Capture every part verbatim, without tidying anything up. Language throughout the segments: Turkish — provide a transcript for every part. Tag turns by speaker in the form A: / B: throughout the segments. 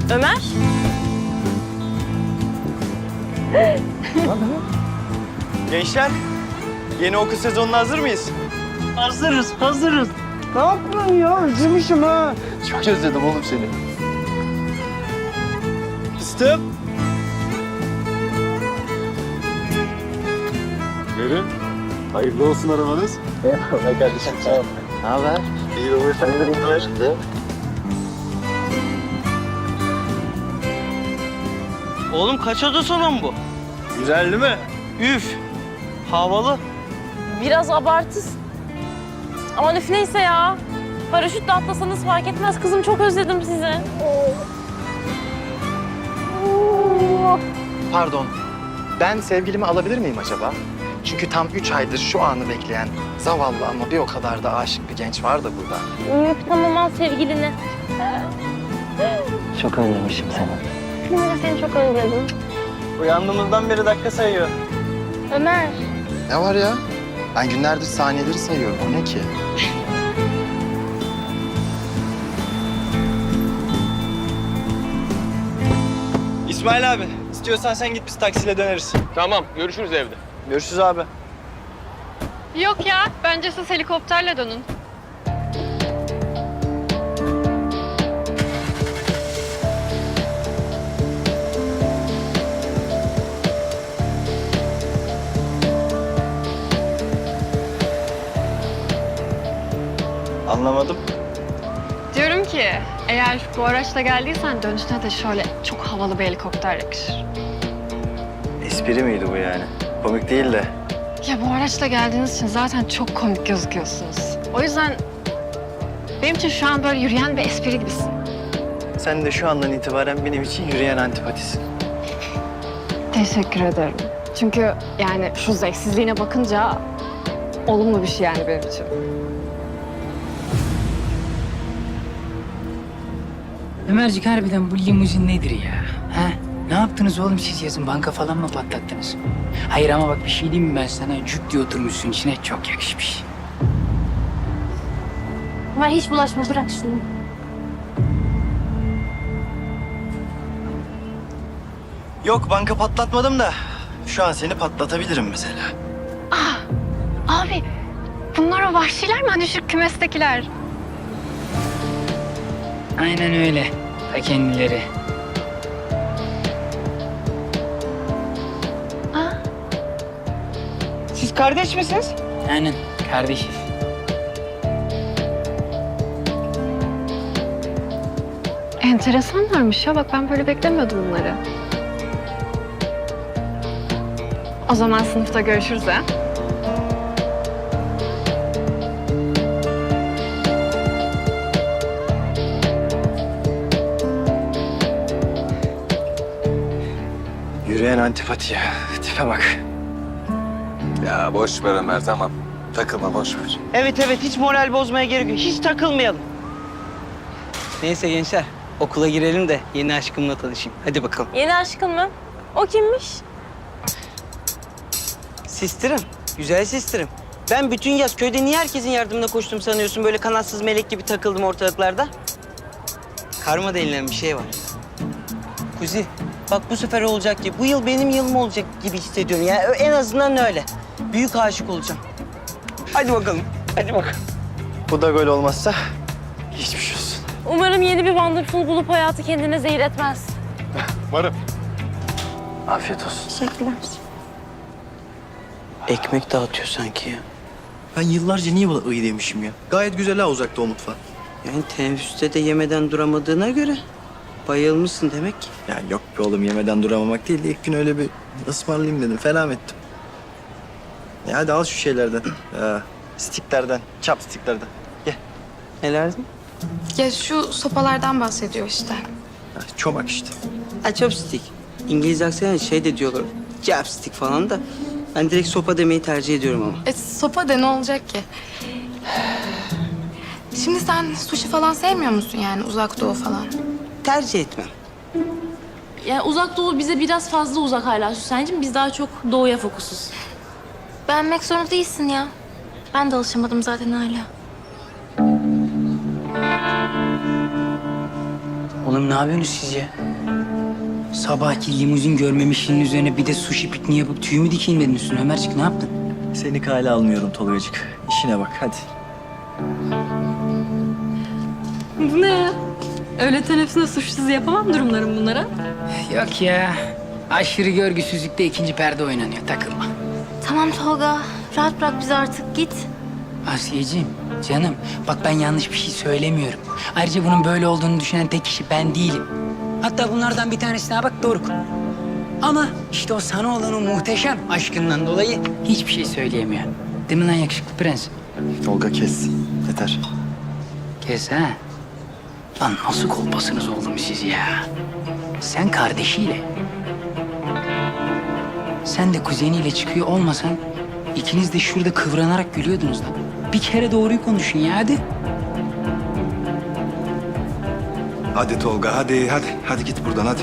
A: Ömer?
B: Gençler, yeni okul sezonuna hazır mıyız?
C: Hazırız, hazırız. Ne yapıyorsun ya? Özlemişim ha.
B: Çok özledim oğlum seni. Fıstığım.
D: Verin. Hayırlı olsun arabanız.
B: Eyvallah kardeşim, sağ ol. Ne haber?
D: İyi olur. Sen de
C: Oğlum kaç oda salon bu?
B: Güzel değil mi?
C: Üf. Havalı.
A: Biraz abartı. Aman üf neyse ya. Paraşütle atlasanız fark etmez. Kızım çok özledim sizi.
E: Pardon, ben sevgilimi alabilir miyim acaba? Çünkü tam üç aydır şu anı bekleyen zavallı ama bir o kadar da aşık bir genç var da burada.
A: Üf tamam al sevgilini.
C: Çok özlemişim seni.
A: Ben de seni çok özledim.
B: Uyandığımızdan beri dakika sayıyor.
A: Ömer.
E: Ne var ya? Ben günlerdir saniyeleri sayıyorum. O ne ki?
B: İsmail abi, istiyorsan sen git biz taksiyle döneriz.
D: Tamam, görüşürüz evde.
B: Görüşürüz abi.
F: Yok ya, bence siz helikopterle dönün.
B: Anlamadım.
F: Diyorum ki, eğer bu araçla geldiysen dönüşüne de şöyle çok havalı bir helikopter yakışır.
B: Espri miydi bu yani? Komik değil de.
F: Ya bu araçla geldiğiniz için zaten çok komik gözüküyorsunuz. O yüzden benim için şu an böyle yürüyen bir espri gibisin.
B: Sen de şu andan itibaren benim için yürüyen antipatisin.
F: Teşekkür ederim. Çünkü yani şu zevksizliğine bakınca olumlu bir şey yani benim için.
G: Ömercik harbiden bu limuzin nedir ya? Ha? Ne yaptınız oğlum siz yazın? Banka falan mı patlattınız? Hayır ama bak bir şey diyeyim mi ben sana? Cuk diye oturmuşsun içine çok yakışmış.
A: Ömer hiç bulaşma bırak şunu.
B: Yok, banka patlatmadım da şu an seni patlatabilirim mesela.
F: Abi bunlar o vahşiler mi? Hani şu kümestekiler.
G: Aynen öyle. Ta kendileri.
C: Siz kardeş misiniz?
G: Aynen kardeşiz.
F: Enteresanlarmış ya. Bak ben böyle beklemiyordum bunları. O zaman sınıfta görüşürüz ha.
B: Yürüyen antipati ya. Tipe bak.
D: Ya boş ver Ömer, tamam. Takılma, boş ver.
C: Evet evet, hiç moral bozmaya gerek yok. Hiç takılmayalım. Neyse gençler, okula girelim de yeni aşkımla tanışayım. Hadi bakalım.
A: Yeni aşkın mı? O kimmiş?
C: Sistirim, güzel sistirim. Ben bütün yaz köyde niye herkesin yardımına koştum sanıyorsun? Böyle kanatsız melek gibi takıldım ortalıklarda. Karma denilen bir şey var. Kuzi, bak bu sefer olacak gibi. Bu yıl benim yılım olacak gibi hissediyorum. Yani en azından öyle. Büyük aşık olacağım. Hadi bakalım, hadi bakalım.
B: Bu da gol olmazsa geçmiş olsun.
A: Umarım yeni bir wonderful bulup hayatı kendine zehir etmez.
D: Varım.
B: Afiyet olsun.
A: Teşekkürler.
C: Ekmek dağıtıyor sanki ya.
B: Ben yıllarca niye buna ıy demişim ya? Gayet güzel ha uzakta o mutfağı.
C: Yani teneffüste de yemeden duramadığına göre bayılmışsın demek ki.
B: Ya yok be oğlum, yemeden duramamak değil de ilk gün öyle bir ısmarlayayım dedim. Fena ettim. Ya hadi al şu şeylerden. Ya, stiklerden, chopsticklerden. Gel.
C: Nelerdi?
H: Ya şu sopalardan bahsediyor işte.
B: Ha, çomak işte.
C: Ha, chopstick. İngiliz aksanı şey de diyorlar. Chopstick falan da. Ben direkt sopa demeyi tercih ediyorum ama.
H: E sopa de ne olacak ki? Şimdi sen sushi falan sevmiyor musun yani uzak doğu falan?
C: Tercih etmem.
A: Yani uzak doğu bize biraz fazla uzak hala Süsen'cim. Biz daha çok doğuya fokusuz.
H: Beğenmek zorunda değilsin ya. Ben de alışamadım zaten hala.
G: Oğlum ne yapıyorsunuz siz ya? Sabahki limuzin görmemişliğinin üzerine bir de sushi pikniği yapıp tüy mü dikeyim dedin üstüne Ömercik, ne yaptın?
B: Seni kale almıyorum Tolgacık. İşine bak hadi.
I: Bu ne ya? Öğle teneffüsünde suçsuz yapamam durumlarım bunlara.
G: Yok ya. Aşırı görgüsüzlükte ikinci perde oynanıyor, takılma.
H: Tamam Tolga. Rahat bırak bizi artık. Git.
G: Asiyeciğim, canım bak ben yanlış bir şey söylemiyorum. Ayrıca bunun böyle olduğunu düşünen tek kişi ben değilim. Hatta bunlardan bir tanesine bak Doruk. Ama işte o sana olan o muhteşem aşkından dolayı hiçbir şey söyleyemiyor. Değil mi lan yakışıklı prens?
B: Tolga kes. Yeter.
G: Kes ha. Lan nasıl kolpasınız oğlum siz ya? Sen kardeşiyle. Sen de kuzeniyle çıkıyor olmasan ikiniz de şurada kıvranarak gülüyordunuz lan. Bir kere doğruyu konuşun ya hadi.
D: Hadi Tolga hadi hadi. Hadi git buradan hadi.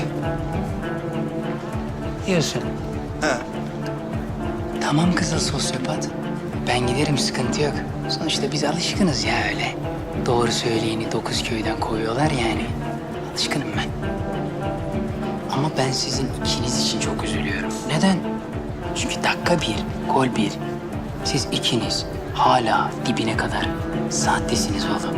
G: Diyorsun.
D: He.
G: Tamam kızıl sosyopat. Ben giderim, sıkıntı yok. Sonuçta biz alışkınız ya öyle. Doğru söyleyeni dokuz köyden koyuyorlar yani. Alışkınım ben. Ama ben sizin ikiniz için çok üzülüyorum. Neden? Çünkü dakika bir, gol bir. Siz ikiniz hala dibine kadar sahtesiniz oğlum.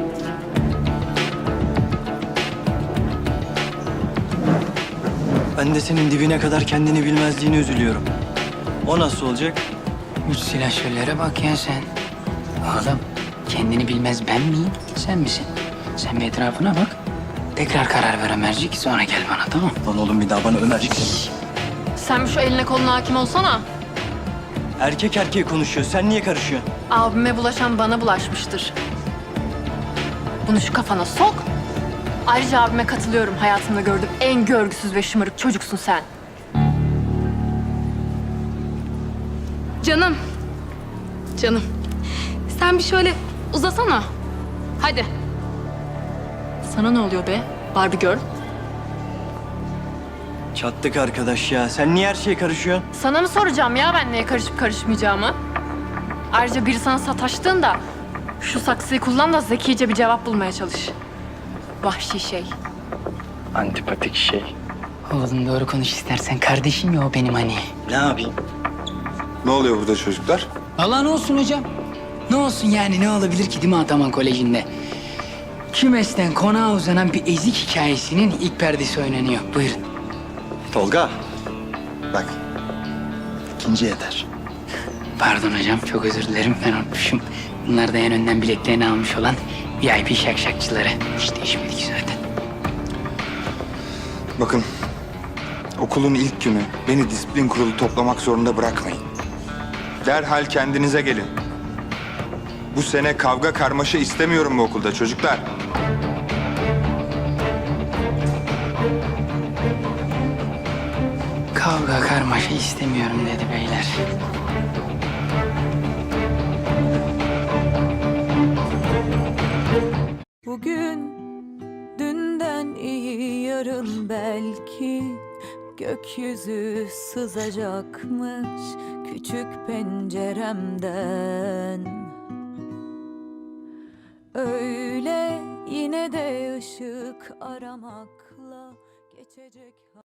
B: Ben de senin dibine kadar kendini bilmezliğine üzülüyorum. O nasıl olacak?
G: Üç silahşörlere bak ya sen. Oğlum kendini bilmez ben miyim, sen misin? Sen bir etrafına bak. Tekrar karar ver Ömercik, sonra gel bana, tamam?
B: Lan oğlum bir daha bana Ömercik deme.
I: Sen bir şu eline koluna hakim olsana.
B: Erkek erkeğe konuşuyor. Sen niye karışıyorsun?
I: Abime bulaşan bana bulaşmıştır. Bunu şu kafana sok. Ayrıca abime katılıyorum. Hayatımda gördüğüm en görgüsüz ve şımarık çocuksun sen. Canım. Canım. Sen bir şöyle uzasana. Hadi. Sana ne oluyor be Barbie Girl?
B: Çattık arkadaş ya. Sen niye her şeye karışıyorsun?
I: Sana mı soracağım ya ben neye karışıp karışmayacağımı? Ayrıca biri sana sataştığında şu saksıyı kullan da zekice bir cevap bulmaya çalış. Vahşi şey.
B: Antipatik şey.
G: Oğlum doğru konuş istersen. Kardeşim ya o benim hani.
B: Ne yapayım?
D: Ne oluyor burada çocuklar?
G: Allah ne olsun hocam? Ne olsun yani, ne olabilir ki değil mi Ataman Koleji'nde? Kümesten konağa uzanan bir ezik hikayesinin ilk perdesi oynanıyor. Buyurun.
B: Tolga. Bak. İkinci yeter.
G: Pardon hocam, çok özür dilerim, ben unutmuşum. Bunlar da en önden biletlerini almış olan V I P şakşakçıları. Hiç değişmedik zaten.
D: Bakın. Okulun ilk günü beni disiplin kurulu toplamak zorunda bırakmayın. Derhal kendinize gelin. Bu sene kavga karmaşa istemiyorum bu okulda çocuklar.
G: Kavga karmaşa istemiyorum dedi beyler.
J: Bugün dünden iyi yarın belki gökyüzü sızacakmış küçük penceremden. Öyle yine de ışık aramakla geçecek.